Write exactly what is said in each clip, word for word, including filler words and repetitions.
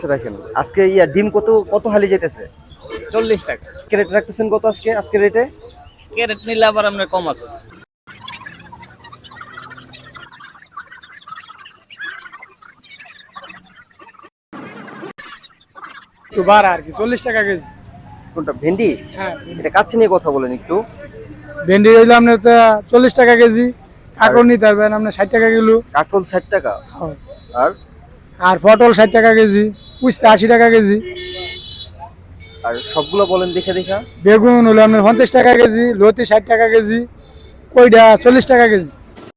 রাখেন আজকে ইয়া ডিম কত কত হালি যেতেছে? চল্লিশ টাকা ক্যারেট রাখতেছেন কত আজকে আজকে রেটে? ক্যারেট নিলে আবার আপনার কম আছে। একটু বাড়া আর কি চল্লিশ টাকা কেজি। কোনটা ভেন্ডি? হ্যাঁ, এটা কাছে নিয়ে কথা বলেন একটু। ভেন্ডি হইলে আপনার তো চল্লিশ টাকা কেজি, কাঁকড় নিতে পারবেন আপনার ষাট টাকা কিলো। কাকরোল ষাট টাকা হ্যাঁ। আর আর পটল ষাট টাকা কেজি, উস্তা আশি টাকা কেজি। আর সবগুলো বলেন দেখে দেখা। বেগুন হলো আপনার পঞ্চাশ টাকা কেজি, লতি ষাট টাকা কেজি, কইডা চল্লিশ টাকা কেজি।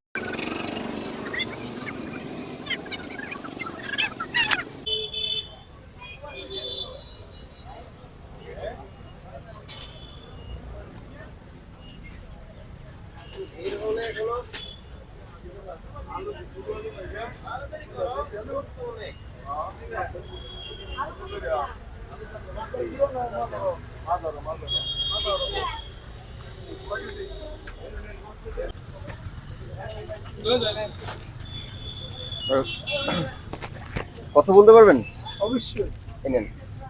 আর কথা বলতে পারবেন? অবশ্যই। এই নেন।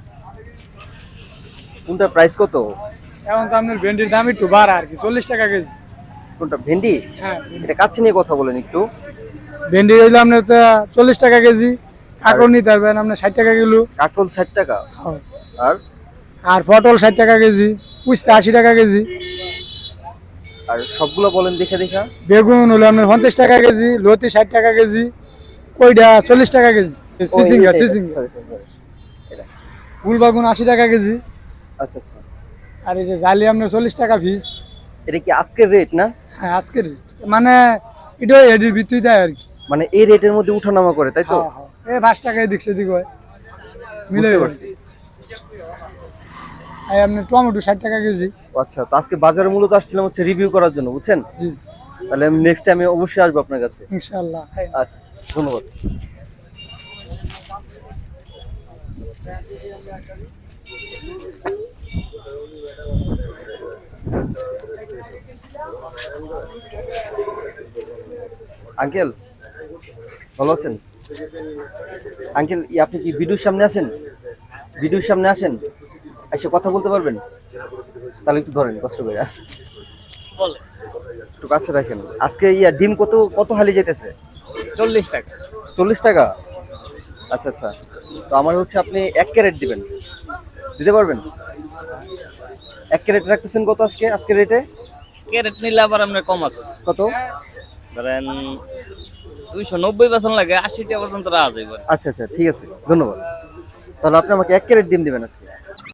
কোনটা প্রাইস কত? এখন তো আপনার ভেন্ডির দাম একটু বাড়া আর কি চল্লিশ টাকা কেজি। কোনটা ভেন্ডি? হ্যাঁ, এটা কাছে নিয়ে কথা বলেন একটু। ভেন্ডি হইলে আপনার তো চল্লিশ টাকা কেজি, কাঁকড় নিতে পারবেন আপনার ষাট টাকা কিলো। কাকরোল ষাট টাকা হ্যাঁ। আর আর পটল ষাট টাকা কেজি, উস্তা আশি টাকা কেজি। আর সবগুলো বলেন দেখে দেখা। বেগুন হলো আপনার পঞ্চাশ টাকা কেজি, লতি ষাট টাকা কেজি, কইডা চল্লিশ টাকা কেজি। সিজিঙ্গা সিজিঙ্গা সরি সরি সরি এটা ফুল বাগুন আশি টাকা কেজি। আচ্ছা আচ্ছা। আর এই যে জালি আপনার চল্লিশ টাকা পিস। এটা কি আজকের রেট না? হ্যাঁ, আজকের রেট মানে এটা এডির ভিত্তি দেয় আর কি। মানে এই রেটের মধ্যে উঠানামা করে তাই তো? হ্যাঁ, হ্যাঁ। এই পাঁচ টাকা এদিক সেদিক হয়, মিলে বুঝতে পারছি। এই আপনার টমেটো ষাট টাকা কেজি। ও আচ্ছা, তো আজকে বাজারে মূলত আসছিলাম হচ্ছে রিভিউ করার জন্য, বুঝছেন? জি, তাহলে আমি নেক্সট টাইমে অবশ্যই আসবো আপনার কাছে। ইনশাল্লাহ। আচ্ছা, ধন্যবাদ। আঙ্কেল ভালো আছেন? আঙ্কেল আপনি কি ভিডিওর সামনে আছেন? ভিডিওর সামনে আসেন, এসে কথা বলতে পারবেন? তাহলে একটু ধরেন কষ্ট করে, বলে একটু কাছে রাখেন। আজকে ইয়া ডিম কত কত হালি যেতেছে? চল্লিশ টাকা চল্লিশ টাকা আচ্ছা আচ্ছা। তো আমার হচ্ছে আপনি এক ক্যারেট দিবেন, দিতে পারবেন? এক ক্যারেট রাখতেছেন কত আজকে আজকে রেটে? ক্যারেট নিলে আবার আপনার কম আছে। কত? ধরেন দুইশো নব্বই বেতন লাগে, আশি টাকা পর্যন্ত রাখা যাবে। আচ্ছা আচ্ছা, ঠিক আছে, ধন্যবাদ। তাহলে আপনি আমাকে এক ক্যারেট ডিম দিবেন আজকে।